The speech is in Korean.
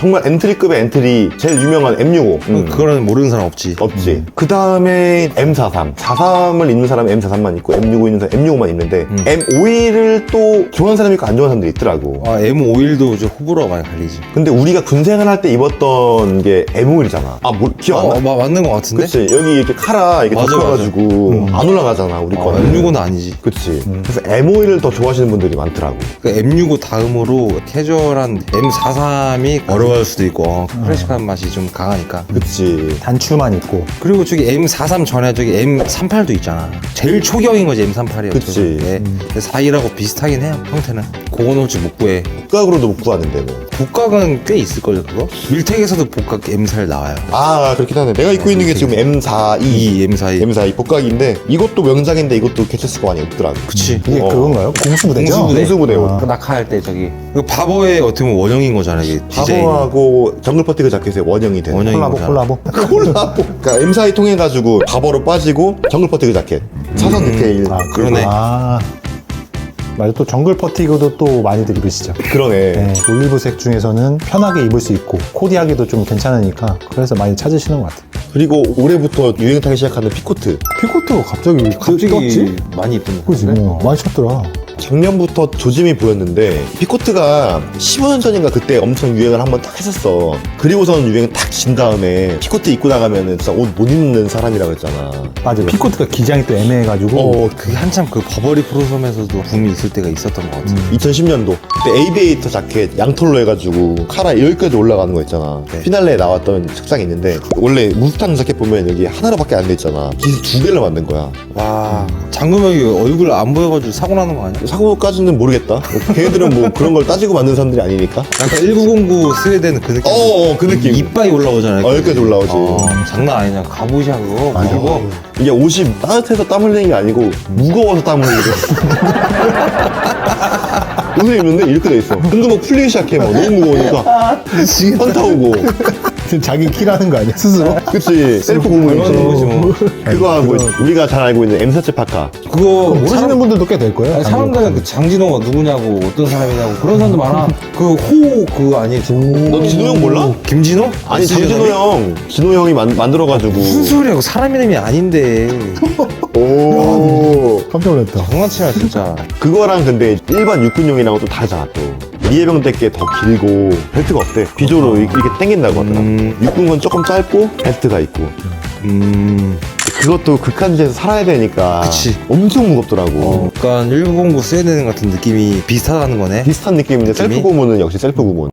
정말 엔트리급의 엔트리 제일 유명한 M65 그거는 모르는 사람 없지. 없지. 그 다음에 M43 43을 입는 사람은 M43만 있고 M65 있는 사람 M65만 있는데 M51을 또 좋아하는 사람이 있고 안 좋아하는 사람들이 있더라고. 아, M51도 좀 호불호가 많이 갈리지. 근데 우리가 군생활 할 때 입었던 게 M51이잖아. 아, 기억 안 나? 맞는 것 같은데? 그치. 여기 이렇게 카라 이렇게 맞아, 덮여가지고 안 올라가잖아, 우리 거는. M65는 아니지. 그치. 그래서 M51을 더 좋아하시는 분들이 많더라고. 그 M65 다음으로 캐주얼한 M43이 어려워할 수도 있고 클래식한 맛이 좀 강하니까. 그치. 단추만 있고. 그리고 저기 M43 전에 저기 M38도 있잖아. 제일 초경인 거지 M38이요. 그치. 42라고 비슷하긴 해요, 형태는. 그거는 혹시 못 구해. 복각으로도 못 구하는데 뭐. 복각은 꽤 있을걸요, 그거? 밀택에서도 복각 M4 나와요. 아, 그렇긴 하네. 내가 입고 있는 게 지금 M42 M42. M42 복각인데 이것도 명작인데 이것도 개체수가 많이 없더라고. 그치. 이게 그건가요? 공수부대죠? 공수부대. 공수부대 옷. 그 낙하할 때 저기. 그 바보의 어떻게 보면 원형인 거잖아, 이게. 디자인이. 바보하고 정글퍼티그 자켓의 원형이 되는 원형인 콜라보, 거잖아. 콜라보. 콜라보. 그러니까 M42 통해가지고 바보로 빠지고 정글퍼티그 자켓 사선 디테일. 그러네. 아. 맞아. 또 정글 퍼티그도 또 많이들 입으시죠. 그러네. 네, 올리브색 중에서는 편하게 입을 수 있고 코디하기도 좀 괜찮으니까 그래서 많이 찾으시는 것 같아요. 그리고 올해부터 유행 타기 시작하는 피코트. 피코트가 갑자기 떴지? 많이 입던 거 그지? 같은데? 많이 쳤더라. 작년부터 조짐이 보였는데 피코트가 15년 전인가 그때 엄청 유행을 한번 딱 했었어. 그리고선 유행 딱 진 다음에 피코트 입고 나가면은 진짜 옷 못 입는 사람이라고 했잖아. 맞아. 피코트가 기장이 또 애매해가지고. 그게 한참 그 버버리 프로섬에서도 붐이 있을 때가 있었던 것 같아. 2010년도 그때 에이비에이터 자켓 양털로 해가지고 카라 여기까지 올라가는 거 있잖아. 네. 피날레에 나왔던 책장이 있는데 원래 무스탕 자켓 보면 여기 하나로밖에 안 돼 있잖아. 기스 두 개를 만든 거야. 와, 장금혁이 얼굴 안 보여가지고 사고 나는 거 아니야? 사고까지는 모르겠다. 걔네들은 뭐 그런 걸 따지고 만든 사람들이 아니니까. 약간 1909 스웨덴 그 느낌. 그 느낌. 이빨이 올라오잖아요. 여기까지 올라오지. 장난 아니냐. 갑옷이야, 그거. 그리고 이게 옷이 따뜻해서 땀 흘리는 게 아니고 무거워서 땀 흘리고. 옷을 입는데 이렇게 돼 있어. 뜬금없 풀리기 시작해. 막 너무 무거우니까 현타 오고. 자기 키라는 거 아니야? 스스로? 그치. 셀프 얼마나 거지 고문이지. 뭐. 그거 하고 우리가 잘 알고 있는 M4 파카. 그거 모르시는 분들도 꽤 될 거예요. 사람들은 그 장진호가 누구냐고 어떤 사람이냐고 그런 사람도 많아. 그 호 그거 아니? 너 진호 형 몰라? 김진호? 아니 장진호 형. 진호 형이 만들어가지고. 무슨 소리야? 그 사람 이름이 아닌데. 오. 깜짝 놀랐다. 장난치나 진짜. 그거랑 근데 일반 육군용이랑은 또 다르잖아 또. 리해병 대게 더 길고 벨트가 없대. 비조로 이렇게 당긴다고 하더라. 육군 건 조금 짧고 벨트가 있고. 그것도 극한지에서 살아야 되니까 그치. 엄청 무겁더라고. 약간 1909 스웨덴 같은 느낌이 비슷하다는 거네. 비슷한 느낌인데 셀프 느낌이? 고문은 역시 셀프 고문.